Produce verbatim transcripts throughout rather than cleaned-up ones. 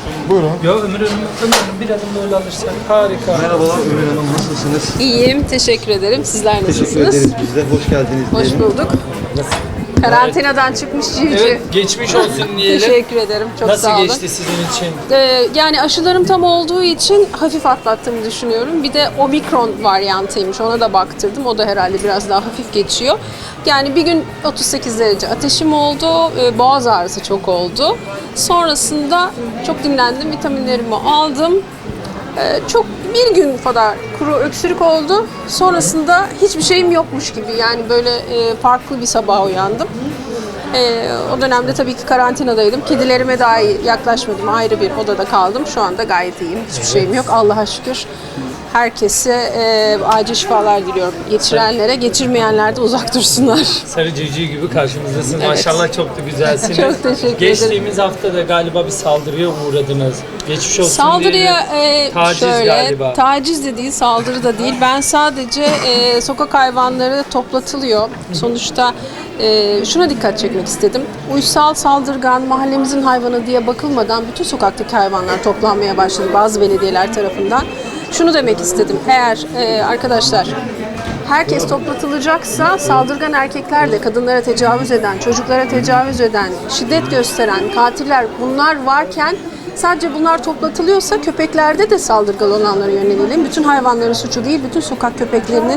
Buyurun. Ya Ömür Hanım, Ömür Hanım bir adım böyle alırsak harika. Merhabalar Ömür Hanım, nasılsınız? İyiyim, teşekkür ederim. Sizler nasılsınız? Teşekkür ederiz biz de. Hoş geldiniz Hoş diyelim. bulduk. Karantinadan çıkmış civciv. Evet, geçmiş olsun diyelim. Teşekkür ederim, çok Nasıl sağ olun. geçti sizin için? Ee, yani aşılarım tam olduğu için hafif atlattığımı düşünüyorum. Bir de omikron varyantıymış, ona da baktırdım. O da herhalde biraz daha hafif geçiyor. Yani bir gün otuz sekiz derece ateşim oldu, ee, boğaz ağrısı çok oldu. Sonrasında çok dinlendim, vitaminlerimi aldım. Ee, çok bir gün kadar kuru öksürük oldu. Sonrasında hiçbir şeyim yokmuş gibi. Yani böyle e, farklı bir sabah uyandım. E, o dönemde tabii ki karantinadaydım. Kedilerime dahi yaklaşmadım. Ayrı bir odada kaldım. Şu anda gayet iyiyim. Hiçbir şeyim yok. Allah'a şükür. Herkese e, acil şifalar diliyorum. Geçirenlere, geçirmeyenler de uzak dursunlar. Sarı civciv gibi karşımızdasınız. Evet. Maşallah çok da güzelsiniz. Çok teşekkür ederim. Geçtiğimiz hafta da galiba bir saldırıya uğradınız. Geçmiş olsun Saldırıya diyelim. e, Taciz şöyle, galiba. taciz de değil, saldırı da değil. Ben sadece e, sokak hayvanları toplatılıyor. Sonuçta e, şuna dikkat çekmek istedim. Uysal, saldırgan, mahallemizin hayvanı diye bakılmadan bütün sokaktaki hayvanlar toplanmaya başladı bazı belediyeler tarafından. Şunu demek istedim. Eğer e, arkadaşlar herkes toplatılacaksa saldırgan erkekler de kadınlara tecavüz eden, çocuklara tecavüz eden, şiddet gösteren katiller bunlar varken sadece bunlar toplatılıyorsa köpeklerde de saldırgan olanlara yönelelim. Bütün hayvanların suçu değil, bütün sokak köpeklerinin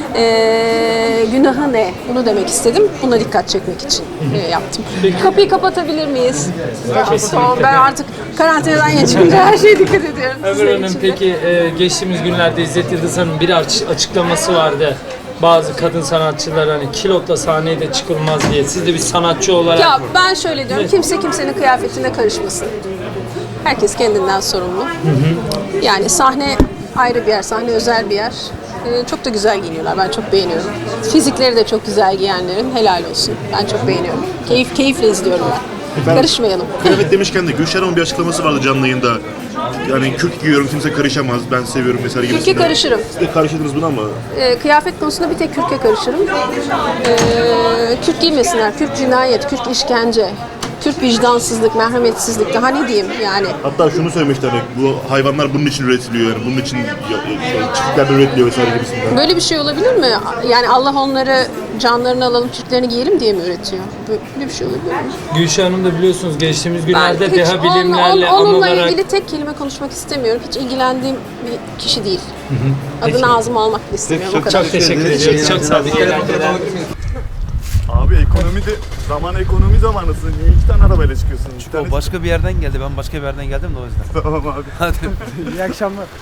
e, günahı ne? Bunu demek istedim. Buna dikkat çekmek için e, yaptım. Kapıyı kapatabilir miyiz? Tamam, ben artık karantinadan geçince her şeye dikkat ediyorum. Ömür Sizin Hanım için de. peki e, geçtiğimiz günlerde İzzet Yıldız Hanım'ın bir aç- açıklaması vardı. Bazı kadın sanatçılar hani kilotla sahneye de çıkılmaz diye. Siz de bir sanatçı olarak Ya ben şöyle diyorum, kimse kimsenin kıyafetine karışmasın. Herkes kendinden sorumlu. Yani sahne ayrı bir yer, sahne özel bir yer. Ee, çok da güzel giyiniyorlar, ben çok beğeniyorum. Fizikleri de çok güzel giyenlerin helal olsun. Ben çok beğeniyorum. Keyif keyifle izliyorum ben. Ben- Karışmayalım. Kıyafet demişken de Gülşen Hanım'ın bir açıklaması vardı canlı yayında. Yani kürk giyiyorum, kimse karışamaz, ben seviyorum mesela gibi. Kürke karışırım. Siz de karışırdınız buna ama Ee, kıyafet konusunda bir tek kürke karışırım. Ee, kürk giymesinler, kürk cinayet, kürk işkence. Kürk vicdansızlık, merhametsizlik, daha ne diyeyim yani. hatta şunu söylemişler, hani bu hayvanlar bunun için üretiliyor, yani bunun için ya- ya- çiftlikler üretiliyor vesaire gibisinden. Böyle bir şey olabilir mi? Yani Allah onları canlarını alalım, Türklerini giyelim diye mi üretiyor? Böyle bir şey olabilir mi? Gülşah Hanım da biliyorsunuz geçtiğimiz Ben günlerde hiç deha onunla, bilimlerle on- onunla anılarak ilgili tek kelime konuşmak istemiyorum. Hiç ilgilendiğim bir kişi değil. Adını ağzıma almak da istemiyorum. O kadar. çok teşekkür ediyoruz. Çok sağ olun. Abi ekonomi de zaman ekonomi zamanısın. Niye iki tane arabayla çıkıyorsun? İki tane O başka bir yerden geldi. Ben başka bir yerden geldim de o yüzden. tamam abi. Hadi. İyi akşamlar.